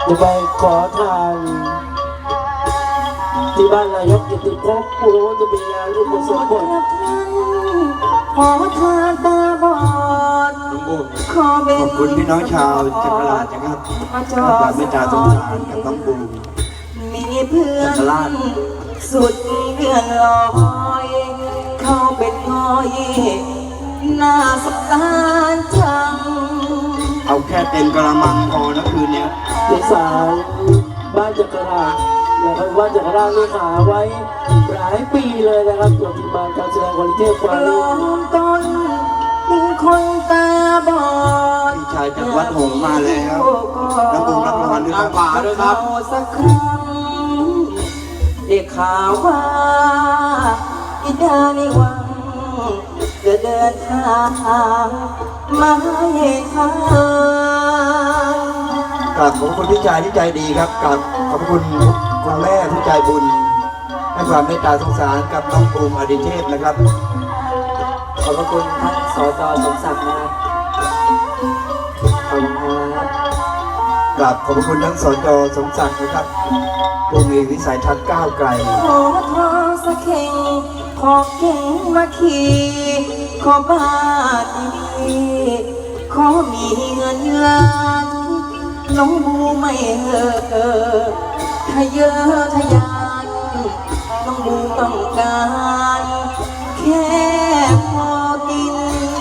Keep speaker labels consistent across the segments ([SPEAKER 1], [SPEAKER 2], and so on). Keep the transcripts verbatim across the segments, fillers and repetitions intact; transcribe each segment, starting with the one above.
[SPEAKER 1] จะไปขอทานที่บ้านนายกกิติภพผู้รู้จะมีงานรูปสมบูรณ์
[SPEAKER 2] ขอทานตาบอดขอเป็น
[SPEAKER 3] ขอบคุณพี่น้องชาวจักรราชนะครับความเมตตาสงสารกับน้องบูม
[SPEAKER 2] มีเพื่อนสุดเลื่อนลอยเขาเป็นน้อยหน้าสงสารจัง
[SPEAKER 3] เอาแค่เต็มกระมังพอนะคืนเนี้ย
[SPEAKER 1] ในสารบ้านจักรราชนะครับว่าจักรราชนี่หาไว้หลายปีเลยนะครับตัวทีมงานการแสดงควอลิตี้ควา
[SPEAKER 2] ล
[SPEAKER 1] ลู
[SPEAKER 2] มต้นเป็นคนตาบอด
[SPEAKER 3] พี่ชายจากวัดหงส์มาแล้วน้องบูมรับรางวัลด้วยครับ
[SPEAKER 2] ป่าด้วยครับสักครั้งได้ข่าวว่าอิดาในวังจะเดินทางมาให้ทาง
[SPEAKER 3] กราบขอบคุณพี่ชายที่ใจดีครับกราบขอบคุณคุณแม่ผู้ใจบุญให้ความเมตตาสงสารกับน้องบูมอดิเทพนะครับ
[SPEAKER 2] ขอบพระคุณท่านสจสมศักดิ์นะครับขอบคุณครับ
[SPEAKER 3] กราบขอบคุณทั้งสจสมศักดิ์นะครับผู้มีวิสัยทัศน์ก้าวไกล
[SPEAKER 2] ขอทองสักเข่งขอเก่งมาขี่ขอบ้านดีๆขอมีเงินล้านน้องบูไม่เห่อเออทะเยอทะยานน้องบูต้องการแค่พอกิน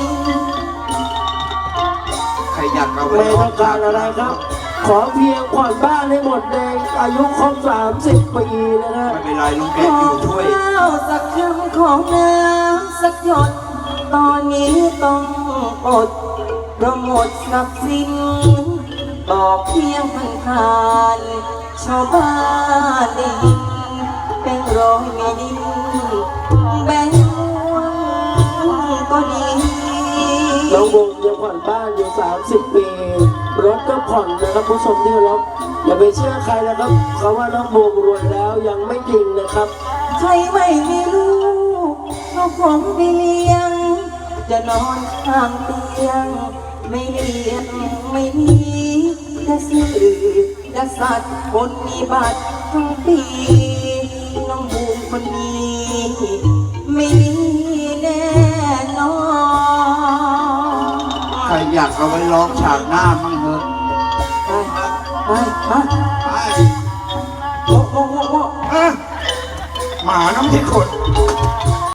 [SPEAKER 3] ใครอยากเอาไว้
[SPEAKER 1] ไม่
[SPEAKER 3] ร้
[SPEAKER 1] ต้องการอะไรครับ ขอเพียงผ่อนบ้านให้หมดในอายุครบสามสิบปีนะฮะ
[SPEAKER 3] ไม่เป็นไรลุง
[SPEAKER 2] ข
[SPEAKER 3] แกะ
[SPEAKER 2] อ
[SPEAKER 3] อยู่ช่วย
[SPEAKER 2] ข้าวสักคำของน้ำสักหยดตอนนี้ต้องอดเพราะหมดทรัพย์สินบอกเพียงผ่านผ่านชาวบ้านได้ยินเป็นร้อยไม่ดินแบงค์ก็ดี
[SPEAKER 1] น้องวงยังผ่อนบ้านอยู่สามสิบปี รถก็ผ่อนนะครับผู้ชมที่เคารพอย่าไปเชื่อใครนะครับเขาว่าน้องวงรวยแล้วยังไม่จริงนะครับ
[SPEAKER 2] ใครไม่มีลูกก็คงไม่เลี้ยง จะนอนข้างเตียง ไม่เลี้ยงไม่มีจะซื้อจะสัตว์คนมีบัตรทั้งปีน้องบูมคนนี้ไม่มีแน่นอน
[SPEAKER 3] ใครอยากเอาไว้ร้องฉากหน้ามั่งเถอะ
[SPEAKER 2] ไปไปมาโอ้โอ้โอ้โอ้
[SPEAKER 3] อ่ะหมาน้ำที่ขด